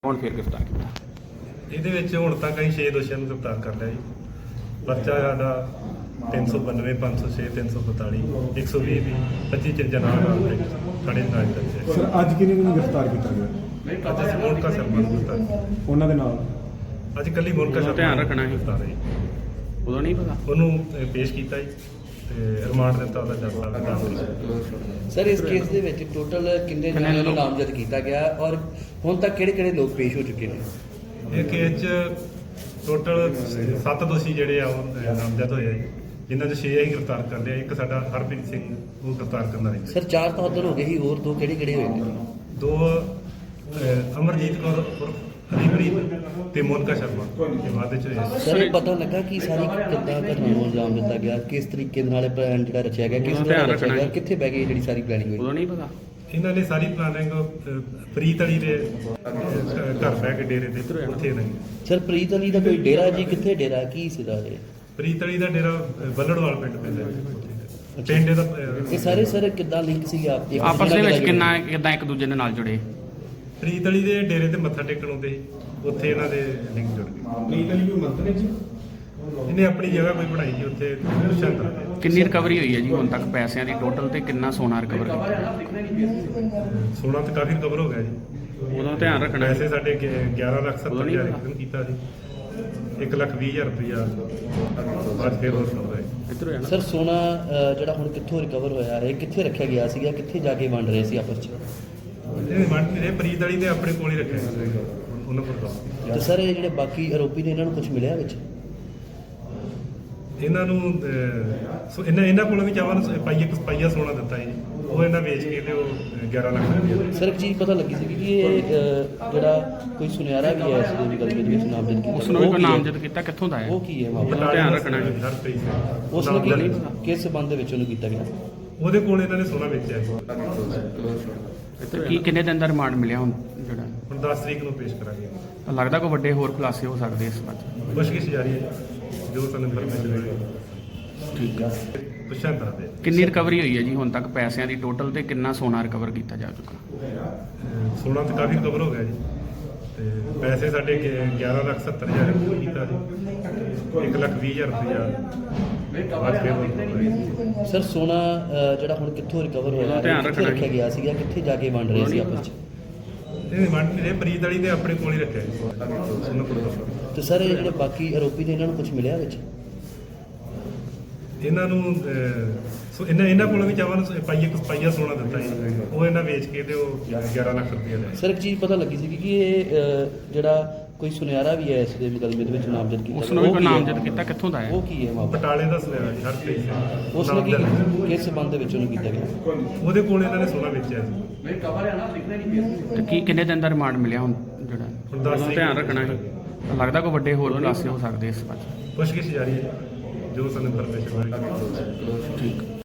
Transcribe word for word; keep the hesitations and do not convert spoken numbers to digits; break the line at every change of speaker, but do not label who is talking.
ਹੁਣ ਫਿਰ ਗ੍ਰਿਫਤਾਰ ਕੀਤਾ।
ਇਹਦੇ ਵਿੱਚ ਹੁਣ ਤੱਕ ਅਸੀਂ ਛੇ ਦੋਸ਼ੀਆਂ ਨੂੰ ਗ੍ਰਿਫਤਾਰ ਕਰ ਲਿਆ ਜੀ। ਪਰਚਾ ਸਾਡਾ ਤਿੰਨ ਸੌ ਬਾਨਵੇਂ ਪੰਜ ਸੌ ਛੇ ਤਿੰਨ ਸੌ ਬਤਾਲੀ ਇੱਕ ਸੌ ਵੀਹ ਵੀ ਪੱਚੀ ਚਿੰਜਾ ਨਾਲ ਨਾਲ ਥਾਣੇ ਨਾਲ ਦਰਜ
ਸਰ ਅੱਜ ਕਿਹਨੇ ਨੂੰ ਗ੍ਰਿਫਤਾਰ ਕੀਤਾ ਗਿਆ?
ਅੱਜ ਅਸੀਂ ਮੋਨਕਾ ਸ਼ਰਮਾ ਨੂੰ ਗ੍ਰਿਫਤਾਰ
ਉਹਨਾਂ ਦੇ ਨਾਲ
ਅੱਜ ਕੱਲੀ ਮੋਨਕਾ ਸ਼ਰਮਾ
ਧਿਆਨ ਰੱਖਣਾ ਹੈ।
ਗ੍ਰਿਫਤਾਰ ਹੈ ਜੀ।
ਉਦੋਂ ਨਹੀਂ ਪਤਾ
ਉਹਨੂੰ ਅਹ, ਪੇਸ਼ ਕੀਤਾ ਜੀ ਤੇ ਰਿਮਾਂਡ ਦਿੱਤਾ ਉਹਦਾ ਜੱਜ ਸਾਹਿਬ ਨੇ ਦਸ
ਸਰ ਇਸ ਕੇਸ ਦੇ ਵਿੱਚ ਟੋਟਲ ਕਿੰਨੇ
ਕਿੰਨੇ
ਜਣਿਆਂ ਨੂੰ
ਲੋਕ?
ਨਾਮਜ਼ਦ ਕੀਤਾ ਗਿਆ ਔਰ ਹੁਣ ਤੱਕ ਕਿਹੜੇ ਕਿਹੜੇ ਲੋਕ ਪੇਸ਼ ਹੋ ਚੁੱਕੇ ਨੇ?
ਇਹ ਕੇਸ 'ਚ ਟੋਟਲ ਸੱਤ ਦੋਸ਼ੀ ਜਿਹੜੇ ਆ ਉਹ ਅਹ, ਨਾਮਜ਼ਦ ਹੋਏ ਆ ਜੀ, ਜਿਨ੍ਹਾਂ 'ਚ ਛੇ ਅਸੀਂ ਗ੍ਰਿਫਤਾਰ ਕਰ ਲਿਆ। ਇੱਕ ਸਾਡਾ ਹਰਪ੍ਰੀਤ ਸਿੰਘ ਉਹ ਗ੍ਰਿਫਤਾਰ ਕਰਨਾ ਰਹਿੰਦਾ।
ਸਰ ਚਾਰ ਤਾਂ ਉੱਧਰ ਹੋ ਗਏ ਸੀ, ਹੋਰ ਦੋ ਕਿਹੜੇ ਕਿਹੜੇ ਹੋਏ ਨੇ?
ਦੋ ਅਹ, ਅਮਰਜੀਤ ਕੌਰ ਉਰਫ ਹਰੀਪ੍ਰੀਤ ਤੇ ਮੋਨਕਾ ਸ਼ਰਮਾ ਇਹ ਬਾਅਦ ਵਿੱਚ ਹੋਏ।
ਸਰ ਇਹ ਪਤਾ ਲੱਗਾ ਕਿ ਸਾਰੀ ਕਿੱਦਾਂ ਘਟਨਾ ਨੂੰ ਅੰਜਾਮ ਦਿੱਤਾ ਗਿਆ, ਕਿਸ ਤਰੀਕੇ ਨਾਲ ਪਲਾਨ ਜਿਹੜਾ ਰਚਿਆ ਗਿਆ, ਕਿਸ ਤਰ੍ਹਾਂ ਰਚਿਆ ਗਿਆ, ਕਿੱਥੇ ਬਹਿ ਗਈ ਜਿਹੜੀ ਸਾਰੀ ਪਲੈਨਿੰਗ ਹੋਈ?
ਉਦੋਂ ਨਹੀਂ ਪਤਾ।
ਇਹਨਾਂ ਨੇ ਸਾਰੀ ਪਲਾਨਿੰਗ ਪ੍ਰੀਤ ਅਲੀ ਦੇ ਅਹ, ਘਰ ਬਹਿ ਕੇ ਡੇਰੇ ਤੇ ਉੱਥੇ ਨਹੀਂ।
ਸਰ ਪ੍ਰੀਤ ਅਲੀ ਦਾ ਕੋਈ ਡੇਰਾ ਜੀ, ਕਿੱਥੇ ਡੇਰਾ, ਕੀ ਸੀਗਾ ਇਹ?
ਪ੍ਰੀਤ ਅਲੀ ਦਾ ਡੇਰਾ ਅਹ, ਬੱਲੜਵਾਲ ਪਿੰਡ ਪੈਂਦਾ ਜੀ। ਪਿੰਡ ਇਹਦਾ ਅਹ,
ਇਹ ਸਾਰੇ ਸਰ ਕਿੱਦਾਂ ਲਿੰਕ ਸੀ ਆਪ ਇੱਕ
ਆਪਸ ਦੇ
ਦੂਜੇ
ਵਿੱਚ
ਨਾਲ
ਕਿੰਨਾ ਕਿੱਦਾਂ ਇੱਕ ਦੂਜੇ ਦੇ ਨਾਲ ਜੁੜੇ?
ਪ੍ਰੀਤ ਅਲੀ ਦੇ ਡੇਰੇ ਤੇ ਮੱਥਾ ਟੇਕਣ ਆਉਂਦੇ ਸੀ, ਉੱਥੇ ਇਹਨਾਂ ਦੇ ਲਿੰਕ ਜੁੜ ਗਏ।
ਪ੍ਰੀਤ ਅਲੀ ਕੋਈ ਮੰਤਰੀ ਜੀ?
ਇਹਨੇ ਆਪਣੀ ਜਗ੍ਹਾ ਕੋਈ ਬਣਾਈ ਜੀ ਉੱਥੇ ਸ਼ਾਂਤਰਾ ਦੇ।
ਕਿੰਨੀ ਰਿਕਵਰੀ ਹੋਈ ਹੈ ਜੀ ਹੁਣ ਤੱਕ ਪੈਸਿਆਂ ਦੀ ਟੋਟਲ ਤੇ ਕਿੰਨਾ ਸੋਨਾ ਰਿਕਵਰ ਕੀਤਾ?
ਸੋਨਾ ਤਾਂ ਕਾਫੀ ਕਵਰ ਹੋ ਗਿਆ ਜੀ।
ਉਦੋਂ ਧਿਆਨ ਰੱਖਣਾ ਹੈ।
ਪੈਸੇ ਸਾਡੇ ਗਿ- ਗਿਆਰਾਂ ਲੱਖ
ਉਦੋਂ
ਸੱਤਰ
ਨਹੀਂ
ਹਜ਼ਾਰ
ਪਤਾ।
ਇੱਕ ਕੀਤਾ ਜੀ। ਇੱਕ ਲੱਖ ਵੀਹ ਹਜ਼ਾਰ ਰੁਪਇਆ ਅੱਜ ਫੇਰ ਹੋਰ ਸੁਣਦਾ ਹੈ।
ਇੱਧਰ ਹੋਇਆ ਨਾ।
ਸਰ ਸੋਨਾ ਅ, ਜਿਹੜਾ ਹੁਣ ਕਿੱਥੋਂ ਰਿਕਵਰ ਹੋਇਆ ਹੈ, ਕਿੱਥੇ ਰੱਖਿਆ ਗਿਆ ਸੀਗਾ, ਕਿੱਥੇ ਜਾ ਕੇ ਵੰਡ ਰਹੇ ਸੀ ਆਪਸ ਚ?
ਇਹ ਮੰਨ ਨਹੀਂ ਰਹੇ, ਪ੍ਰੀਤ ਵਾਲੀ ਤੇ ਆਪਣੇ ਕੋਲ ਹੀ ਰੱਖਿਆ ਸੀ ਉਹਨਾਂ ਕੋਲ ਤਾਂ।
ਤੇ ਸਰ ਇਹ ਜਿਹੜੇ ਬਾਕੀ ਆਰੋਪੀ ਨੇ ਇਹਨਾਂ ਨੂੰ ਕੁਝ ਮਿਲਿਆ ਵਿੱਚ?
ਇਹਨਾਂ ਨੂੰ ਅਹ, ਸੋ ਇਹਨਾਂ ਇਹਨਾਂ ਕੋਲੋਂ ਵੀ ਚਾਵਨ ਪਾਈਏ ਕੁ ਪਾਈਆ ਸੋਨਾ ਦਿੱਤਾ ਜੀ। ਉਹ ਇਹਨਾਂ ਵੇਚ ਕੇ ਤੇ ਉਹ ਅਹ, ਗਿਆਰਾਂ ਲੱਖ ਰੁਪਇਆ ਦੇ।
ਸਰ ਇੱਕ ਚੀਜ਼ ਪਤਾ ਲੱਗੀ ਸੀ ਕਿ ਇਹ ਅ, ਜਿਹੜਾ ਕੋਈ ਸੁਨਿਆਰਾ ਵੀ ਹੈ ਇਸ ਦੇ ਵਿਕਲਪ ਦੇ ਵਿੱਚ ਨਾਮਜ਼ਦ ਕੀਤਾ,
ਉਸ ਨੂੰ ਵੀ
ਉਹ
ਕੋਈ
ਕੀ ਹੈ?
ਨਾਮਜ਼ਦ ਕੀਤਾ, ਕਿੱਥੋਂ ਦਾ ਹੈ?
ਉਹ ਕੀ ਹੈ ਮਾਮਲਾ?
ਉਹਦਾ ਧਿਆਨ ਰੱਖਣਾ ਹੈ।
ਹਰਪ੍ਰੀਤ ਸਿੰਘ।
ਉਸ ਨੂੰ
ਨਾਮਜ਼ਦ
ਕੀ
ਨਹੀਂ।
ਕਿਸ ਸਬੰਧ ਦੇ ਵਿੱਚ ਉਹਨੂੰ ਕੀਤਾ ਗਿਆ?
ਉਹਦੇ ਕੋਲ ਇਹਨਾਂ ਨੇ ਸੋਨਾ ਵੇਚਿਆ ਜੀ।
ਤੇ ਕੀ ਕਿੰਨੇ ਦਿਨ ਦਾ ਰਿਮਾਂਡ ਮਿਲਿਆ ਹੁਣ ਜਿਹੜਾ?
ਹੁਣ ਦਸ ਤਰੀਕ ਨੂੰ ਪੇਸ਼ ਕਰਾਂਗੇ।
ਲੱਗਦਾ ਕੋਈ ਵੱਡੇ ਹੋਰ ਖੁਲਾਸੇ ਹੋ ਸਕਦੇ ਇਸ ਬਾਰੇ?
ਪੁੱਛਗਿੱਛ ਜਾਰੀ ਹੈ ਜੋ ਸਾਨੂੰ ਇਨਫੋਰਮੇਸ਼ਨ ਮਿਲੀ।
ਠੀਕ ਹੈ।
ਪੁੱਛਾਂ ਤਾਂ ਦੇ
ਕਿੰਨੀ ਰਿਕਵਰੀ ਹੋਈ ਹੈ ਜੀ ਹੁਣ ਤੱਕ ਪੈਸਿਆਂ ਦੀ ਟੋਟਲ ਤੇ ਕਿੰਨਾ ਸੋਨਾ ਰਿਕਵਰ ਕੀਤਾ ਜਾ ਚੁੱਕਾ?
ਅਹ, ਸੋਨਾ ਤਾਂ ਕਾਫੀ ਕਵਰ ਹੋ ਗਿਆ ਜੀ। ਤੇ ਪੈਸੇ ਸਾਡੇ ਗਿ- ਗਿਆਰਾਂ ਲੱਖ ਸੱਤਰ ਹਜ਼ਾਰ ਇੱਕ ਕੀਤਾ ਜੀ। ਇੱਕ ਲੱਖ ਵੀਹ ਹਜ਼ਾਰ ਰੁਪਇਆ ਅੱਜ ਫੇਰ ਹੋਰ ਸੁਣਦਾ ਹੈ।
ਸਰ ਸੋਨਾ ਅ, ਜਿਹੜਾ ਹੁਣ ਕਿੱਥੋਂ ਰਿਕਵਰ ਹੋਇਆ
ਉਹਦਾ
ਹੈ,
ਧਿਆਨ
ਕਿੱਥੇ
ਰੱਖਣਾ
ਰੱਖਿਆ ਗਿਆ ਸੀਗਾ, ਕਿੱਥੇ ਜਾ ਕੇ ਵੰਡ ਰਹੇ ਸੀ ਆਪਸ ਚ?
ਇਹ ਮੰਨ ਨਹੀਂ ਰਹੇ, ਪ੍ਰੀਤ ਵਾਲੀ ਤੇ ਆਪਣੇ ਕੋਲ ਹੀ ਰੱਖਿਆ ਜੀ। ਉਹਨਾਂ ਕੋਲ ਤਾਂ।
ਤੇ ਸਰ ਇਹ ਜਿਹੜੇ ਬਾਕੀ ਆਰੋਪੀ ਨੇ ਇਹਨਾਂ ਨੂੰ ਕੁਝ ਮਿਲਿਆ ਵਿੱਚ?
ਇਹਨਾਂ ਨੂੰ ਅਹ, ਸੋ ਇਹਨਾਂ ਇਹਨਾਂ ਕੋਲੋਂ ਵੀ ਚਾਵਨ ਪਾਈਏ ਕੁ ਪਾਈਆ ਸੋਨਾ ਦਿੱਤਾ ਜੀ। ਉਹ ਇਹਨਾਂ ਵੇਚ ਕੇ ਤੇ ਉਹ ਗਿਆਰਾਂ ਲੱਖ ਰੁਪਇਆ ਦੇ।
ਸਰ ਇੱਕ ਚੀਜ਼ ਪਤਾ ਲੱਗੀ ਸੀ ਕਿ ਇਹ ਅ, ਜਿਹੜਾ ਕੋਈ ਸੁਨਿਆਰਾ ਵੀ ਹੈ ਇਸ ਦੇ ਵਿਕਲਪ ਦੇ ਵਿੱਚ ਨਾਮਜ਼ਦ ਕੀਤਾ
ਉਸ
ਗਿਆ,
ਨੂੰ ਵੀ
ਉਹ
ਕੋਈ
ਕੀ ਹੈ?
ਨਾਮਜ਼ਦ ਕੀਤਾ, ਕਿੱਥੋਂ ਦਾ ਹੈ?
ਉਹ ਕੀ ਹੈ ਮਾਮਲਾ?
ਬਟਾਲੇ ਦਾ ਸੁਨਿਆਰਾ ਜੀ, ਹਰਪ੍ਰੀਤ ਸਿੰਘ।
ਉਸ ਨੇ ਕੀ
ਨਾਮਜ਼ਦ।
ਕਿਸ ਸਬੰਧ ਦੇ ਵਿੱਚ ਉਹਨੂੰ ਕੀਤਾ ਗਿਆ?
ਉਹਦੇ ਕੋਲ ਇਹਨਾਂ ਨੇ ਸੋਨਾ ਵੇਚਿਆ ਜੀ।
ਤੇ ਕੀ ਕਿੰਨੇ ਦਿਨ ਦਾ ਰਿਮਾਂਡ ਮਿਲਿਆ ਹੁਣ ਜਿਹੜਾ?
ਹੁਣ ਦਸ
ਉਦੋਂ
ਤਰੀਕ
ਧਿਆਨ
ਨੂੰ
ਰੱਖਣਾ ਹੈ। ਲੱਗਦਾ ਕੋਈ ਵੱਡੇ ਹੋਰ ਖੁਲਾਸੇ ਹੋ ਸਕਦੇ ਇਸ ਬਾਰੇ?
ਪੁੱਛਗਿੱਛ ਜਾਰੀ ਹੈ ਜੋ ਸਾਨੂੰ ਇਨਫੋਰਮੇਸ਼ਨ ਮਿਲੀ।
ਠੀਕ।